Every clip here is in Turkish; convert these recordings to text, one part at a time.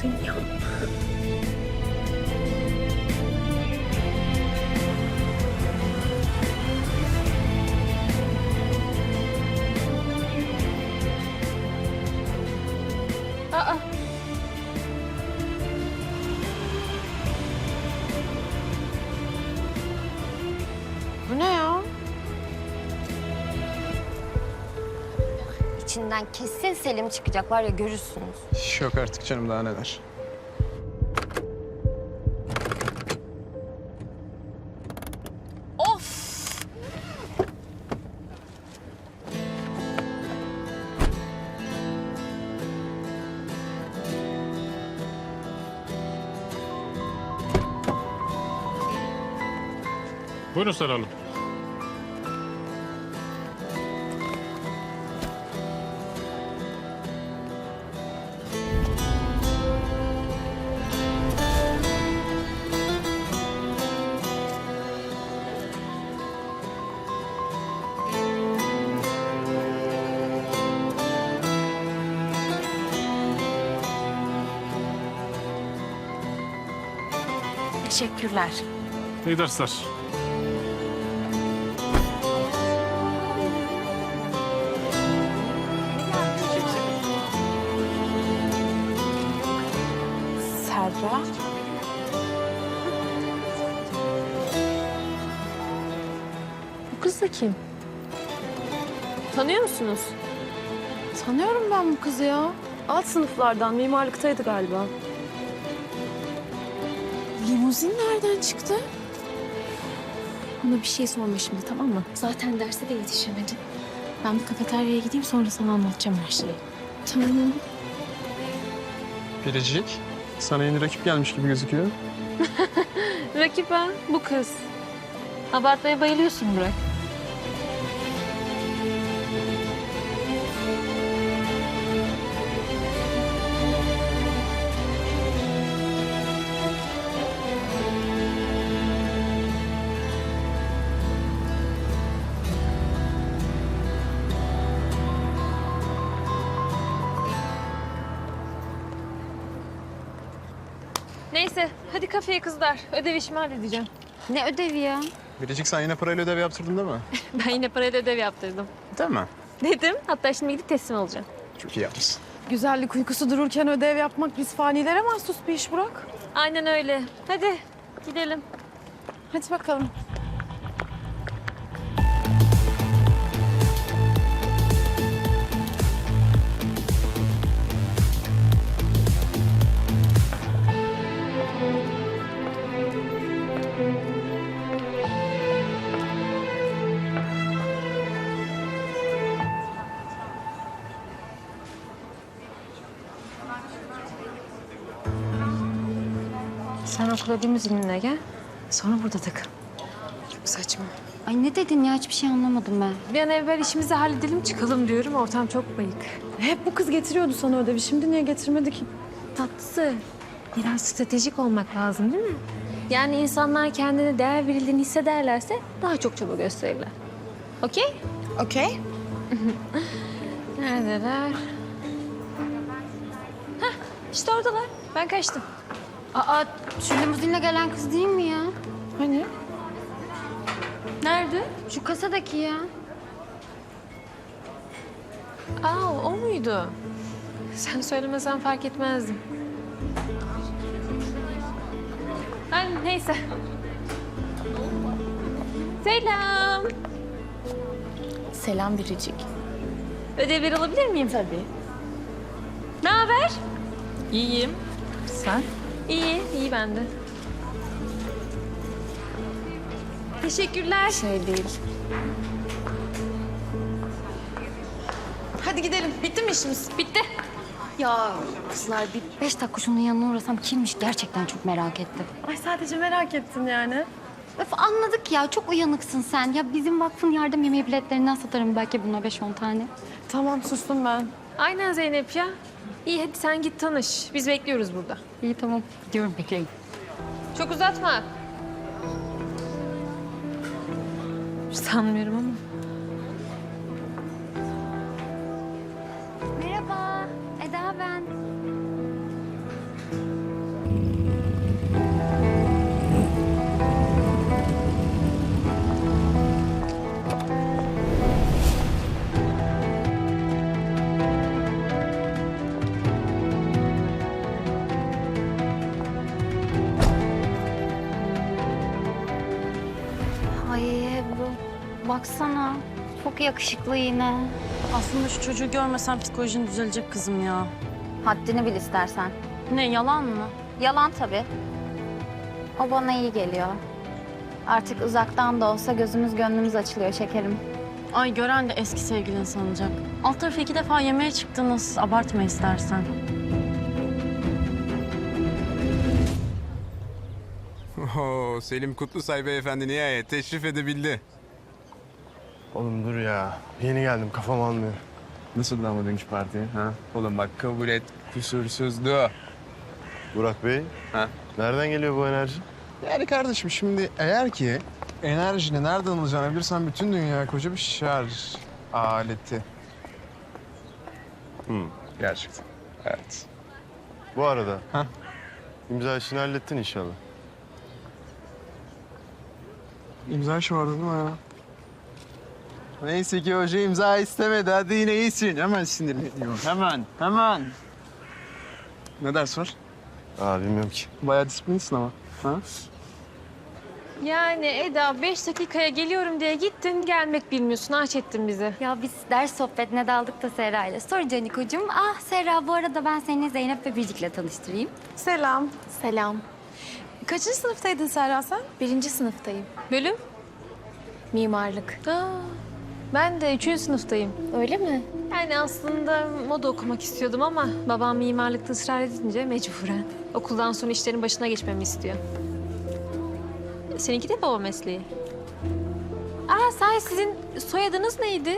seni ya. Aa. Bu ne ya? İçinden kesin Selim çıkacak var ya, görürsünüz. Yok artık canım, daha neler. Of! Buyurun Sara Hanım. Teşekkürler. İyi dersler. Serra. Bu kız da kim? Tanıyor musunuz? Tanıyorum ben bu kızı ya. Alt sınıflardan, mimarlıktaydı galiba. Limuzin nereden çıktı? Ona bir şey sorma şimdi, tamam mı? Zaten derse de yetişemedi. Ben bir kafeteryaya gideyim, sonra sana anlatacağım her şeyi. Tamam. Biricik, sana yeni rakip gelmiş gibi gözüküyor. Rakip ha, bu kız. Abartmaya bayılıyorsun Burak. Neyse, hadi kafeye kızlar. Ödev işimi halledeceğim. Ne ödevi ya? Biricik, sen yine parayla ödev yaptırdın değil mi? Ben yine parayla ödev yaptırdım. Değil mi? Dedim, hatta şimdi gidip teslim olacağım. Çok iyi yapmışsın. Güzellik uykusu dururken ödev yapmak biz fanilere mahsus bir iş Burak. Aynen öyle. Hadi gidelim. Hadi bakalım. Sen okula limuzinle gel. Sonra burada takıl. Çok saçma. Ay ne dedin ya? Hiçbir şey anlamadım ben. Bir an evvel işimizi halledelim çıkalım diyorum. Ortam çok bayık. Hep bu kız getiriyordu sana ödevi. Şimdi niye getirmedi ki? Tatlısı. Biraz stratejik olmak lazım değil mi? Yani insanlar kendine değer verildiğini hissederlerse daha çok çaba gösterirler. Okey? Okey. Neredeler? Hah, işte oradalar. Ben kaçtım. Aa, şu limuzinle gelen kız değil mi ya? Hani? Nerede? Şu kasadaki ya. Aa, o muydu? Sen söylemesen fark etmezdim. Ay, neyse. Selam. Selam Biricik. Ödevleri alabilir miyim? Tabii. Ne haber? İyiyim. Sen? İyi, iyi ben de. Teşekkürler. Şey değil. Hadi gidelim. Bitti mi işimiz? Bitti. Ya kızlar, bir 5 dakika şunun yanına uğrasam kimmiş, gerçekten çok merak ettim. Ay sadece merak ettin yani. Öf, anladık ya, çok uyanıksın sen. Ya bizim vakfın yardım yemeği biletlerinden satarım belki buna 5-10 tane. Tamam sustum ben. Aynen Zeynep ya. İyi hadi sen git tanış. Biz bekliyoruz burada. İyi tamam, gidiyorum, bekleyin. Çok uzatma. Sanmıyorum ama. Merhaba, Eda ben. baksana. Çok yakışıklı yine. Aslında şu çocuğu görmesen psikolojin düzelecek kızım ya. Haddini bil istersen. Ne, yalan mı? Yalan tabii. O bana iyi geliyor. Artık uzaktan da olsa gözümüz gönlümüz açılıyor şekerim. Ay gören de eski sevgilin sanacak. Alt tarafı 2 defa yemeğe çıktınız. Abartma istersen. Oo, Selim Kutlusay beyefendi nihayet teşrif edebildi. Oğlum dur ya. Yeni geldim kafam almıyor. Nasıl ama dünkü parti? Ha? Oğlum bak kabul et kusursuzdu. Burak Bey. Ha? Nereden geliyor bu enerji? Yani kardeşim şimdi eğer ki enerjini nereden alacağını bilirsen bütün dünya koca bir şarj aleti. Gerçekten. Evet. Bu arada. Ha? İmza işini hallettin inşallah. İmza işi vardı değil mi ya? Neyse ki hoca imza istemedi. Hadi yine iyisin. Hemen sinirleniyor. Hemen. Ne ders var? Bilmiyorum ki. Bayağı disiplinsin ama. Ha? Yani Eda 5 dakikaya geliyorum diye gittin gelmek bilmiyorsun. Aç ettin bizi. Ya biz ders sohbetine daldık da Serra ile. Sonra Canikocuğum, Serra bu arada ben seni Zeynep ve Biricik'le tanıştırayım. Selam. Selam. Kaçıncı sınıftaydın Serra sen? 1. sınıftayım. Bölüm? Mimarlık. Ben de 3. sınıftayım. Öyle mi? Yani aslında moda okumak istiyordum ama babam mimarlıkta ısrar edince mecburen. Okuldan sonra işlerin başına geçmemi istiyor. Seninki de baba mesleği. Sahi sizin soyadınız neydi?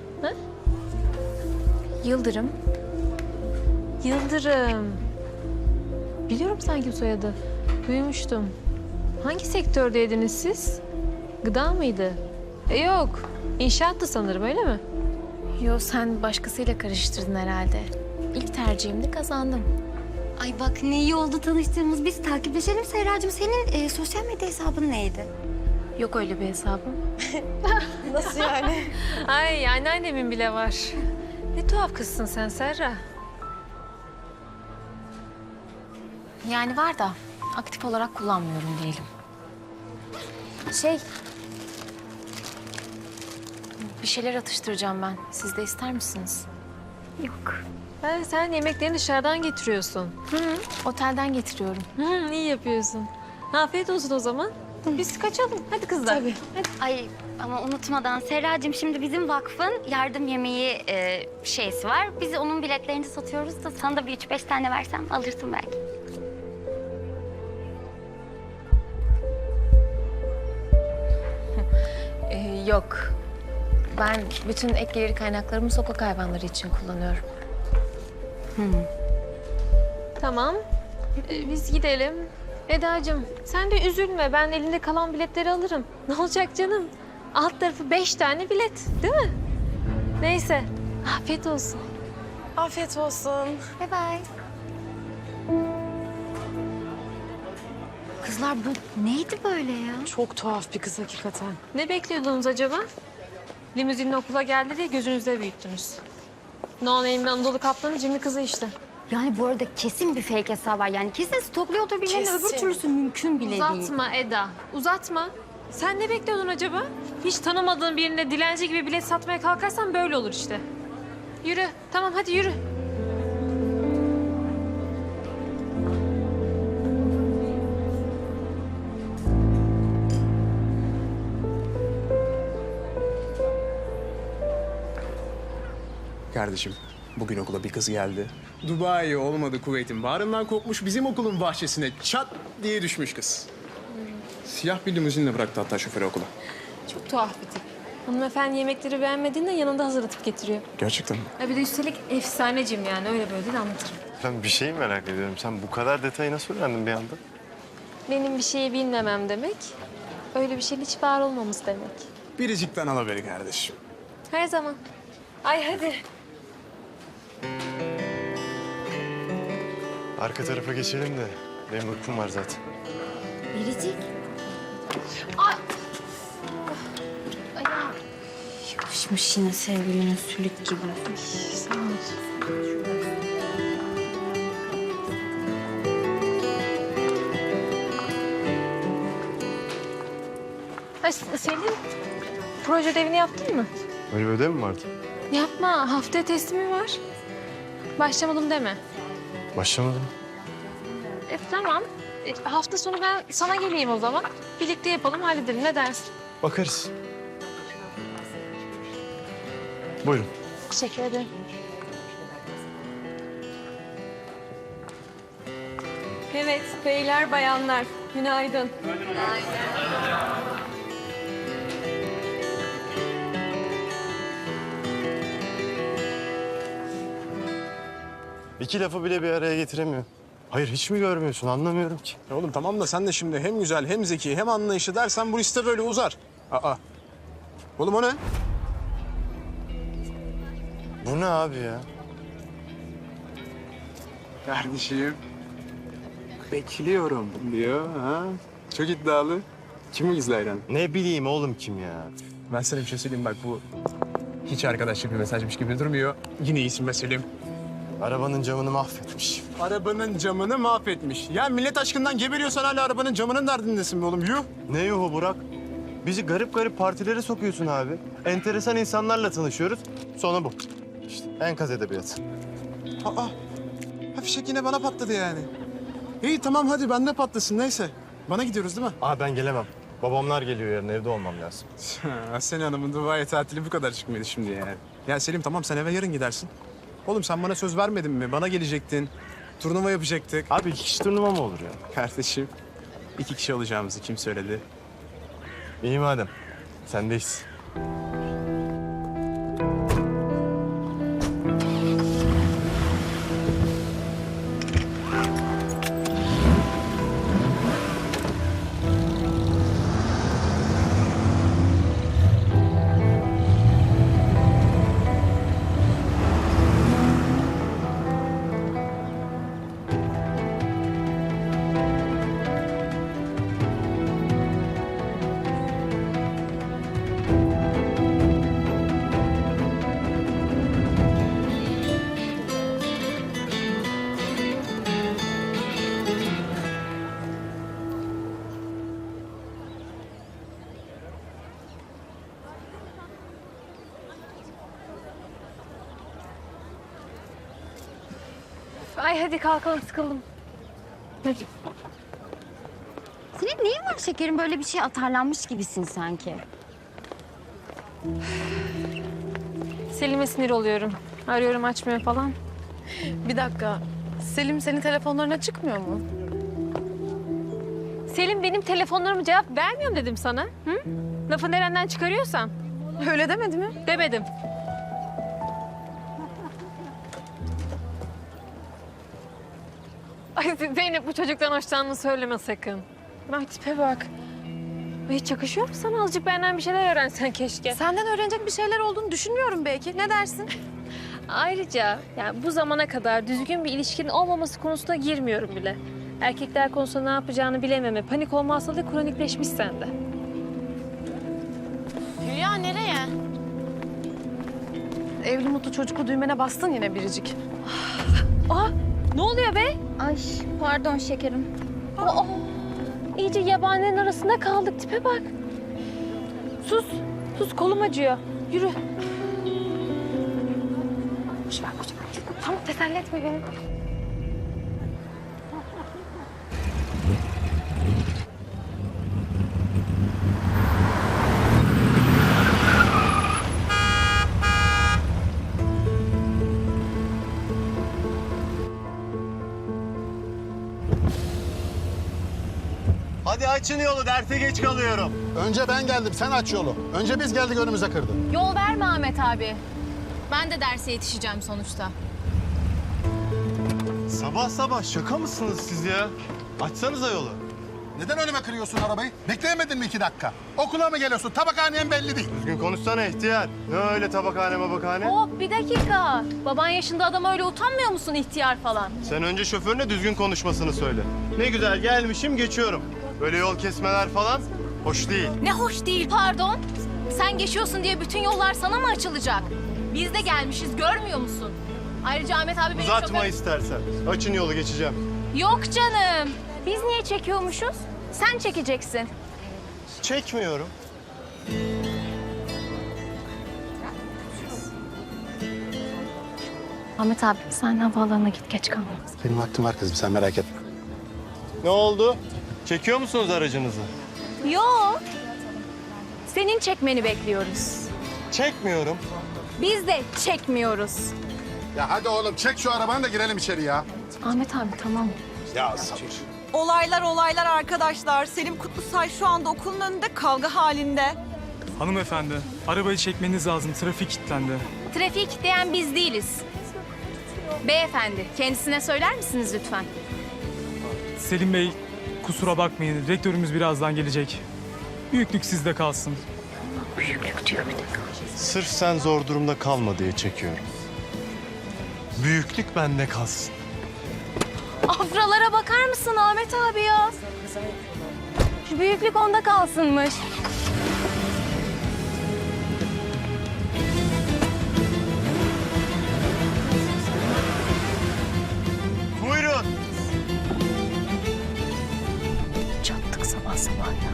Yıldırım. Yıldırım. Biliyorum sanki bu soyadı. Duymuştum. Hangi sektördeydiniz siz? Gıda mıydı? Yok. İnşaattı sanırım öyle mi? Yo, sen başkasıyla karıştırdın herhalde. İlk tercihimde kazandım. Ay bak ne iyi oldu tanıştığımız. Biz takipleşelim Serracığım. Senin sosyal medya hesabın neydi? Yok öyle bir hesabım. Nasıl yani? Ay anneannemin bile var. Ne tuhaf kızsın sen Serra. Yani var da aktif olarak kullanmıyorum diyelim. Bir şeyler atıştıracağım ben. Siz de ister misiniz? Yok. Sen yemeklerini dışarıdan getiriyorsun. Otelden getiriyorum. İyi yapıyorsun. Afiyet olsun o zaman. Biz kaçalım. Hadi kızlar. Tabii. Ay ama unutmadan Serracığım şimdi bizim vakfın yardım yemeği şeysi var. Biz onun biletlerini satıyoruz da sana da bir 3-5 tane versem alırsın belki. Yok. Ben bütün ek gelir kaynaklarımı sokak hayvanları için kullanıyorum. Tamam. Biz gidelim. Edacığım sen de üzülme. Ben elinde kalan biletleri alırım. Ne olacak canım? Alt tarafı 5 tane bilet değil mi? Neyse. Afiyet olsun. Afiyet olsun. Bye bye. Kızlar bu neydi böyle ya? Çok tuhaf bir kız hakikaten. Ne bekliyordunuz acaba? Limuzinle okula geldi diye gözünüzde büyüttünüz. No Name'li Anadolu Kaplan'ın cimri kızı işte. Yani bu arada kesin bir fake hesabı var. Yani kesin stokluyordur birilerini. Öbür türlüsü mümkün bile değil. Uzatma Eda, uzatma. Sen ne bekliyordun acaba? Hiç tanımadığın birine dilenci gibi bilet satmaya kalkarsan böyle olur işte. Yürü, tamam hadi yürü. Kardeşim bugün okula bir kız geldi. Dubai olmadı Kuveyt'in bağrından kopmuş bizim okulun bahçesine çat diye düşmüş kız. Siyah bir limuzinle bıraktı hatta şoförü okula. Çok tuhaf bir tip. Hanımefendi yemekleri beğenmediğinde yanında hazırlatıp getiriyor. Gerçekten mi? Bir de üstelik efsanecim yani öyle böyle değil anlatırım. Ben bir şeyi merak ediyorum. Sen bu kadar detayı nasıl öğrendin bir anda? Benim bir şeyi bilmemem demek, öyle bir şeyin hiç var olmamız demek. Biricik'ten al haberi kardeşim. Her zaman. Ay hadi. Arka tarafa geçelim de. Benim uykum var zaten. Biricik. Yapışmış yine sevgilinin sülük gibi. Sağ ol. Ay Selin, proje ödevini yaptın mı? Öyle bir ödev mi vardı? Yapma. Haftaya teslimi var. Başlamadım deme. Başlamadım. Tamam. Hafta sonu ben sana geleyim o zaman. Birlikte yapalım, halledelim. Ne dersin? Bakarız. Buyurun. Teşekkür ederim. Evet, beyler, bayanlar. Günaydın. İki lafı bile bir araya getiremiyor. Hayır hiç mi görmüyorsun? Anlamıyorum ki. Ya oğlum tamam da sen de şimdi hem güzel hem zeki hem anlayışlı dersen bu liste böyle uzar. Aa. Oğlum o ne? Bu ne abi ya? Kardeşim. Bekliyorum diyor ha. Çok iddialı. Kim bu gizli hayran? Ne bileyim oğlum kim ya? Ben sana bir şey söyleyeyim bak bu hiç arkadaşlık bir mesajmış gibi durmuyor. Yine iyisin be Selim. Arabanın camını mahvetmiş. Arabanın camını mahvetmiş. Ya millet aşkından geberiyorsan hala arabanın camının derdindesin be oğlum. Yuh. Ne yuhu Burak? Bizi garip garip partilere sokuyorsun abi. Enteresan insanlarla tanışıyoruz. Sonu bu. İşte enkaz edebiyatı. Aa. Ha fişek yine bana patladı yani. İyi tamam hadi bende patlasın neyse. Bana gidiyoruz değil mi? Aa ben gelemem. Babamlar geliyor yarın evde olmam lazım. Aslen Hanım'ın Dubai tatili bu kadar çıkmıyordu şimdi yani. Ya Selim tamam sen eve yarın gidersin. Oğlum sen bana söz vermedin mi? Bana gelecektin. Turnuva yapacaktık. Abi iki kişi turnuva mı olur ya? Kardeşim 2 kişi olacağımızı kim söyledi? İyi madem. Sendeyiz. Ay hadi kalkalım, sıkıldım. Senin neyin var şekerim? Böyle bir şey atarlanmış gibisin sanki. Selim'e sinir oluyorum. Arıyorum, açmıyor falan. Bir dakika. Selim senin telefonlarına çıkmıyor mu? Selim benim telefonlarıma cevap vermiyorum dedim sana. Hı? Lafı nereden çıkarıyorsan. Öyle demedi mi? Demedim. Ay Zeynep bu çocuktan hoşlandığını söyleme sakın. Bak tipe bak. Hiç yakışıyor mu sana? Azıcık benden bir şeyler öğrensen keşke. Senden öğrenecek bir şeyler olduğunu düşünmüyorum belki. Ne dersin? Ayrıca yani bu zamana kadar düzgün bir ilişkinin olmaması konusuna girmiyorum bile. Erkekler konusunda ne yapacağını bilememe, panik olma hastalığı kronikleşmiş sende. Hülya nereye? Evli mutlu çocuklu düğmene bastın yine biricik. Aa, ne oluyor be? Ay pardon şekerim. Aa, iyice yabanilerin arasında kaldık. Tipe bak. Sus, sus kolum acıyor. Yürü. Boş ver, boş ver. Tamam, teselli etme beni. Hadi açın yolu derse geç kalıyorum. Önce ben geldim, sen aç yolu. Önce biz geldik, önümüze kırdın. Yol verme Ahmet abi. Ben de derse yetişeceğim sonuçta. Sabah sabah şaka mısınız siz ya? Açsanıza yolu. Neden önüme kırıyorsun arabayı? Bekleyemedin mi 2 dakika? Okula mı geliyorsun? Tabakhanen belli değil. Düzgün konuşsana ihtiyar. Ne öyle tabakhane mabakhane? Hop bir dakika. Baban yaşında adam öyle utanmıyor musun ihtiyar falan? Sen önce şoförüne düzgün konuşmasını söyle. Ne güzel gelmişim geçiyorum. Böyle yol kesmeler falan hoş değil. Ne hoş değil pardon. Sen geçiyorsun diye bütün yollar sana mı açılacak? Biz de gelmişiz görmüyor musun? Ayrıca Ahmet abi benim Uzatma şoför- istersen. Açın yolu geçeceğim. Yok canım. Biz niye çekiyormuşuz? Sen çekeceksin. Çekmiyorum. Ahmet abi sen havaalanına git, geç kalma. Benim vaktim var kızım, sen merak etme. Ne oldu? Çekiyor musunuz aracınızı? Yok. Senin çekmeni bekliyoruz. Çekmiyorum. Biz de çekmiyoruz. Ya hadi oğlum çek şu arabanı da girelim içeri ya. Ahmet abi tamam. Ya sabır. Olaylar arkadaşlar. Selim Kutlusay şu anda okulun önünde kavga halinde. Hanımefendi, arabayı çekmeniz lazım. Trafik kilitlendi. Trafiği kilitleyen biz değiliz. Beyefendi, kendisine söyler misiniz lütfen? Selim Bey, kusura bakmayın. Rektörümüz birazdan gelecek. Büyüklük sizde kalsın. Sırf sen zor durumda kalma diye çekiyorum. Büyüklük bende kalsın. Afralara bakar mısın Ahmet abi ya? Şu büyüklük onda kalsınmış. Buyurun. Çattık sabah sabah ya.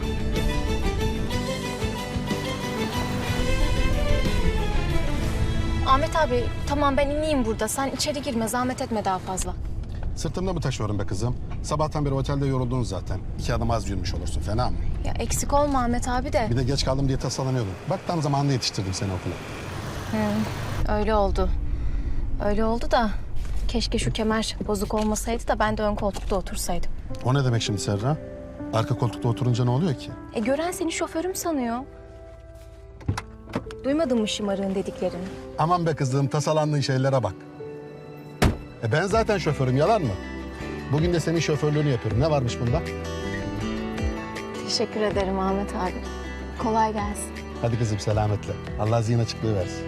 Ahmet abi tamam ben ineyim burada. Sen içeri girme, zahmet etme daha fazla. Sırtımda mı taşıyorum be kızım? Sabahtan beri otelde yoruldun zaten. 2 adım az yürümüş olursun, fena mı? Ya eksik olma Ahmet abi de. Bir de geç kaldım diye tasalanıyordum. Bak tam zamanında yetiştirdim seni okula. Öyle oldu. Öyle oldu da keşke şu kemer bozuk olmasaydı da ben de ön koltukta otursaydım. O ne demek şimdi Serra? Arka koltukta oturunca ne oluyor ki? Gören seni şoförüm sanıyor. Duymadın mı şımarığın dediklerini? Aman be kızım, tasalandığın şeylere bak. Ben zaten şoförüm, yalan mı? Bugün de senin şoförlüğünü yapıyorum. Ne varmış bunda? Teşekkür ederim Ahmet abi. Kolay gelsin. Hadi kızım selametle. Allah zihin açıklığı versin.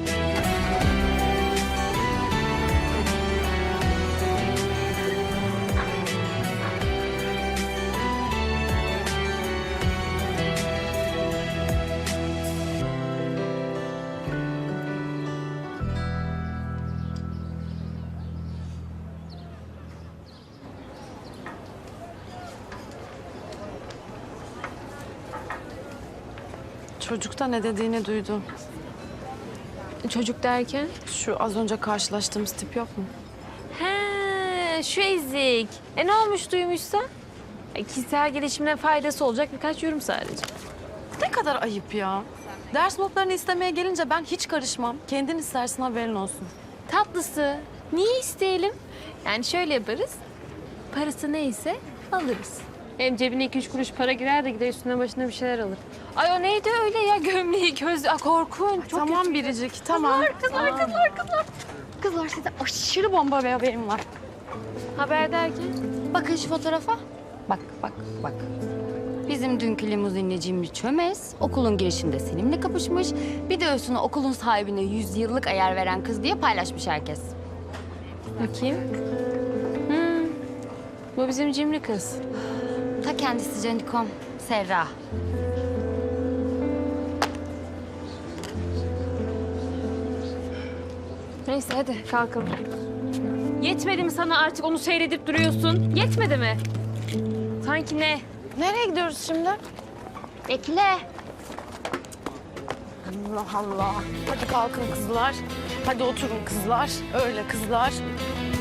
Çocukta ne dediğini duydum. Çocuk derken? Şu az önce karşılaştığımız tip yok mu? He, şu ezik. Ne olmuş duymuşsa? Kişisel gelişimine faydası olacak birkaç yorum sadece. Ne kadar ayıp ya. Ders notlarını istemeye gelince ben hiç karışmam. Kendin istersin, haberin olsun. Tatlısı. Niye isteyelim? Yani şöyle yaparız. Parası neyse alırız. Hem cebine 2-3 kuruş para girer de gider üstüne başına bir şeyler alır. Ay o neydi öyle ya, gömleği, gözlüğü, korkunç. Çok Tamam kötü. Biricik, tamam. Kızlar. Kızlar size aşırı bomba bir haberim var. Haber derken? Bakın şu fotoğrafa. Bak. Bizim dünkü limuzinli cimri çömez. Okulun girişinde Selim'le kapışmış. Bir de üstüne okulun sahibine 100 yıllık ayar veren kız diye paylaşmış herkes. Bakayım. Bu bizim cimri kız. Ta kendisi Canikom, Serra. Neyse hadi kalkalım. Yetmedi mi sana artık onu seyredip duruyorsun? Yetmedi mi? Sanki ne? Nereye gidiyoruz şimdi? Bekle. Allah Allah. Hadi kalkın kızlar. Hadi oturun kızlar. Öyle kızlar.